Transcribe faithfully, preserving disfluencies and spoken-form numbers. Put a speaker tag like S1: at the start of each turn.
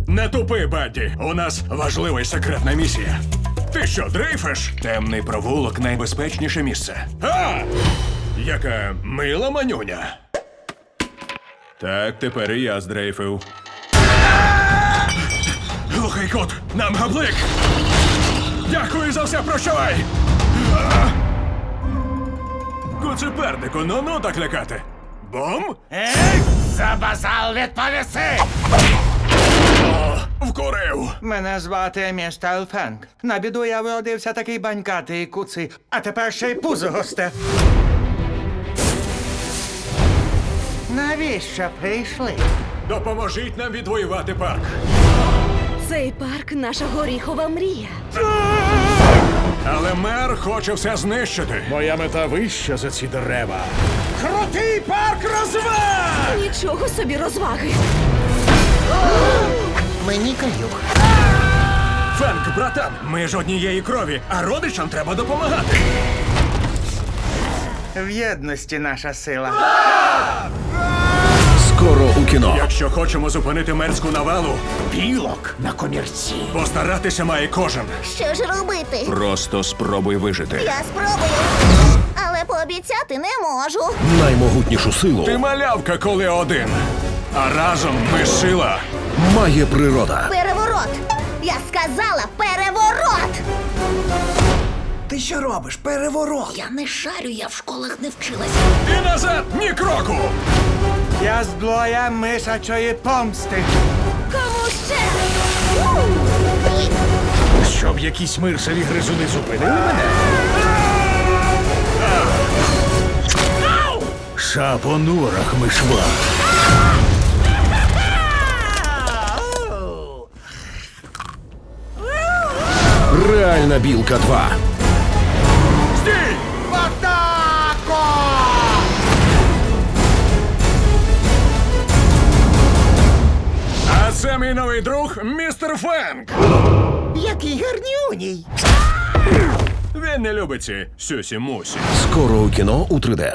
S1: Не тупи, Бадді. У нас важлива і секретна місія. Ти що, дрейфиш? Темний провулок — найбезпечніше місце. А! Яка мила манюня. Так, тепер і я здрейфив. Глухий кут, нам габлик! Дякую за все, прощавай! Куцепернику, ну-ну так лякати. Бом?
S2: Ей, за базал відповіси!
S1: О, вкурив!
S2: Мене звати містер Фенк. На біду я вродився такий банькатий куций, а тепер ще й пузо госте. Навіщо прийшли?
S1: Допоможіть нам відвоювати парк.
S3: Цей парк — наша горіхова мрія.
S1: Але мер хоче все знищити.
S4: Моя мета вища за ці дерева.
S2: Крутий парк розваг!
S3: Нічого собі розваги.
S2: Мені каюк.
S1: Фенк, братан, ми ж однієї крові, а родичам треба допомагати.
S2: В єдності наша сила.
S4: Скоро у кіно.
S1: Якщо хочемо зупинити мерську навалу,
S4: Білок на комірці.
S1: постаратися має кожен.
S5: Що ж робити?
S1: Просто спробуй вижити.
S5: Я спробую. Але пообіцяти не можу.
S4: Наймогутнішу силу
S1: Ти малявка, коли один. А разом ми сила.
S4: має природа.
S5: Переворот! Я сказала переворот!
S2: Ти що робиш? Переворот!
S5: Я не шарю, я в школах не вчилася.
S1: І назад ні кроку.
S2: Я з блоя мишачої помсти.
S5: Кому ще?
S4: Щоб якісь миршеві гризуни зупинили мене. Ша по норах мишва. Реальна білка два.
S1: Стій!
S2: Атако!
S1: А це мій новий друг, містер Фенк.
S2: Який гарнюній!
S1: Він не любить ці сюсі-мусі.
S4: Скоро у кіно у три де.